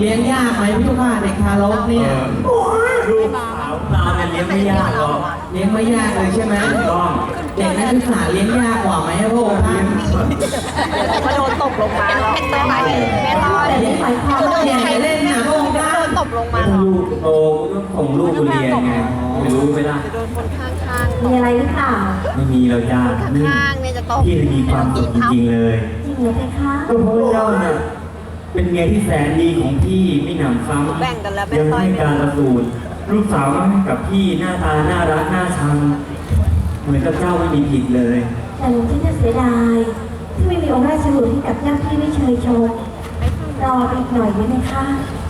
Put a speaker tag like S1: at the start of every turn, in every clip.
S1: ลี้ยงยากไหมพี่ลูกค้าเด็กทารกเนี่ย
S2: ลูกสาวเราเนี่ยเลี้ยงไม่ยากหรอก
S1: เลี้ยงไม่ยากเลยใช่ไหม
S2: ต้อง
S1: เด็กนักศึกษาเลี้ยงยากกว่าไหมพระองค์ท่าน
S3: มาโดนตกลงมาไม่รอดเลยฝ่ายความ
S1: อย่าเล่นนะพระองค์ท่าน
S3: ตกลงมา
S2: ลูกโตก็ส่งลูกเรียนไงไม่รู้ไหมล่ะ
S3: โดนคนข้างๆมีอะไรหรือเปล่า
S2: ไม่มีเราจ้า
S3: ข้างๆเนี่ยจะตก
S2: พี่มีความสุขจริงๆเลย
S3: จริงเหรอเพคะ
S2: ก็เพราะเจ้าเนี่ยเป็นเมียที่แสนดีของพี่ไม่หนำซ้ำยังให้การประสูติลูกสาวให้กับพี่หน้าตาน่ารักน่าชังเหมือนกับเจ้าไม่มีผิดเลย
S3: แต่หลวงพี่จะเสียดายที่ไม่มีองค์ราชบุตรให้กับญาติพี่ได้เชยชมรออีกหน่อยได้ไหมคะ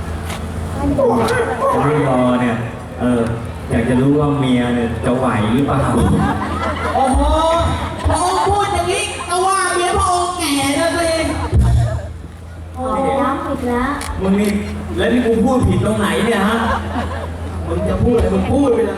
S2: จะไม่รอเนี่ยอยากจะรู้ว่าเมียเนี่ยจะไหวหรือเปล่า
S1: โอ้โหพระองค์พูดอย่างนี้ก็ว่าเมียพระองค์แก่แล้วสิ
S3: โอ้ย้ำอีกแล้ว
S2: มึงนี่แล้วนี่กูพูดผิดตรงไหนเนี่ยฮะ
S1: มึงจะพูดอะไรมึงพูดไปเลย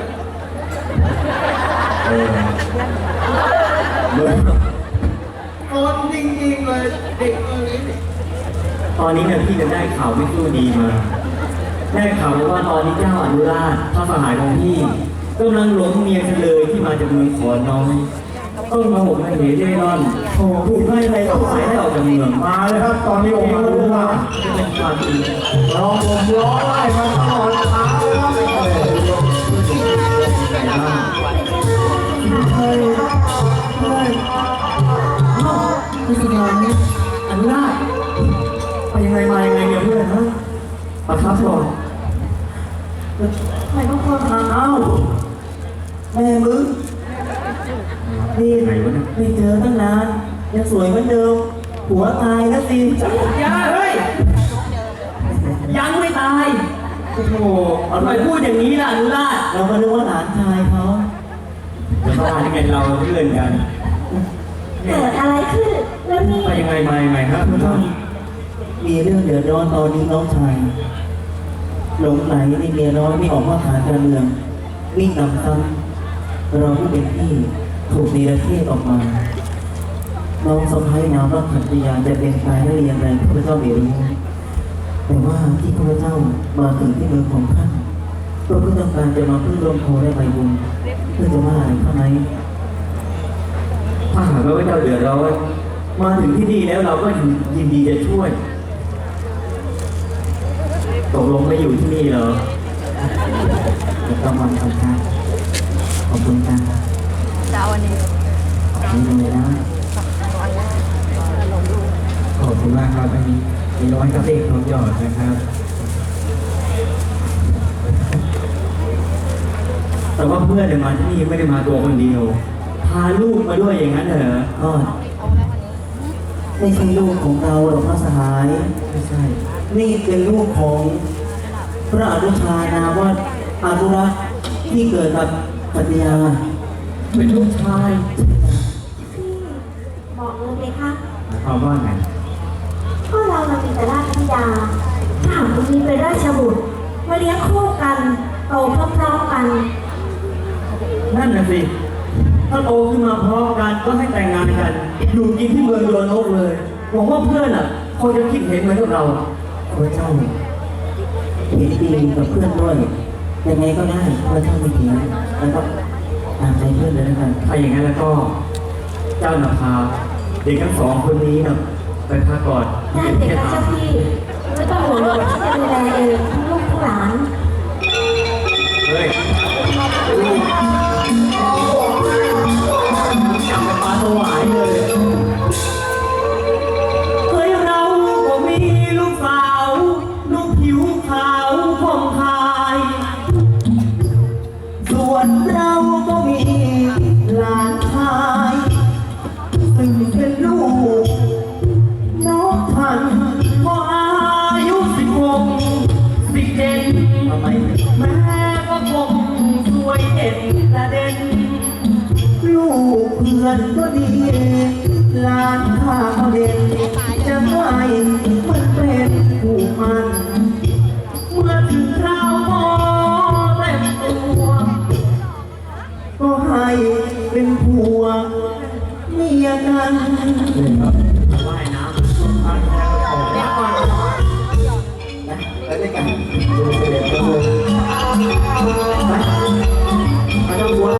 S1: โกรธจริงๆเลยเด็ก
S2: ตอนนี้เนี่ยพี่จะได้ข่าวไม่สู้ดีมาได้ข่าวว่าตอนนี้เจ้าอนุราชพระสหายของพี่กำลังหลงเมียเฉลยที่มาจากเมืองขอนน้อยต้องมาห่มให้เหเร่ร่อนโอ้ถูกไล่ไปออกสายได้ออกจากเมือง
S4: มาเลยครับตอนนี้องค์มาดูว่า
S2: เป็นความจริง
S4: ร้องผมร้องไล่มาตลอดทางเลยครับ
S2: พี่สิงห์นี่อนุราชไปยังไงมายังไงเนี่ยเพื่อนฮะประทับก่อน
S3: ทำไมต้องโทษทาง
S4: เอ้าแม่มึงนี่ไม่เจอตั้งนานยังสวยเหมือนเดิมผัวตายแล้วสิ
S2: อย่าเฮ้ยยังไม่ตายโอ้โหทำไมพูดอย่างนี้ล่ะอนุราช
S4: เราก็นึกว่าหลานชายเขา
S2: จะมาที่ไงเราเพื่อนกัน
S3: เกิดอะไรขึ้นแล้วนี่
S2: ไปยังไงมายังไงครับคุณท่าน
S4: มีเรื่องเดือดร้อนตอนนี้น้องชายหลงไหลในเมียน้อยไม่ออกมาฐานการเมืองวิ่งนำซ้ำเราที่เป็นพี่ถูกเนรเทศออกมาน้องสะพ้ายนามว่าขันติยาจะเป็นตายได้อย่างไรพระเจ้าไม่รู้แต่ว่าที่พระเจ้ามาถึงที่เมืองของท่านก็เพื่อต้องการจะมาพึ่งลมโพได้ใบบุญเพื่อจะว่าอะไรเท่านั้น
S2: ถ้าหากว่าเจ้าเดือดร้อนมาถึงที่นี่แล้วเราก็ยินดีจะช่วยตกลงไม่อยู่ที่นี่เหรอ
S4: ต้องวันขอบคุณขอบคุณครับ
S3: จะเอาวันนี้
S4: นี่เลยนะ
S1: ขอบคุณมากครับอันนี้มีน้อยกับเด็กของหยอดนะครับ
S2: แต่ว่าเพื่อนมาที่นี่ไม่ได้มาตัวคนเดียวพาลูกมาด้วยอย่างนั้นเหรอ
S4: ก็ไม่ใช่ลูกของเราหรอกพระสหาย
S1: ไม่ใช่
S4: นี่เป็นลูกของพระอนุชานาว่าอนุรักษ์ที่เกิดกับปัญญา
S2: เป็นลูกชาย
S3: บอกเลยไหมคะ
S2: ความว่าไง
S3: ก็เรามีแต่ราชธิดาถ้าหากมีเป็นราชบุตรมาเลี้ยงคู่กันโตพร้อมๆกัน
S2: นั่นน่ะสิถ้าโตขึ้นมาพร้อมกันก็ให้แต่งงานกันอยู่กินที่เมืองโยนกเลยหวังว่าเพื่อนอ่ะเขาจะคิดเห็นเหมือนกับเรา
S4: พระเจ้าเห็นดีกับเพื่อนด้วยยังไงก็ได้พระเจ้าไม่เถียงแล้วก็ตามใจเพื่อนเลยนะครับ
S2: ถ้าอย่างนั้นแล้วก็เจ้าหน้าพาเด็กทั้งสองคนนี้นะไปพักก่อน
S3: ได้เด็กนะเจ้าพี่ไม่ต้องห่วงหรอกที่จะดูแลเองทั้งลูกทั้งหลาน
S2: เฮ้ยจับไปปลาถวายเลยเฮ้ยเราก็มีลูกสาวลูกผิวขาวผ่องคาย
S4: ส่วนเราก็มีหลานชายซึ่งเป็นลูกน้องท่าน
S2: พออายุ16 17
S4: ทำไม
S2: แม่ก็คงสวยเด่นกระเด็น
S4: ลูกเพื่อนก็ดีหลานข้าก็เด่นจะไม่มันเป็นผู้มัน
S2: เมื่อถึงคราวพอเต็มตัว
S4: ก็ให้เป็นผัวเมียกัน
S2: ว่ายน้ำ
S5: แล้วใน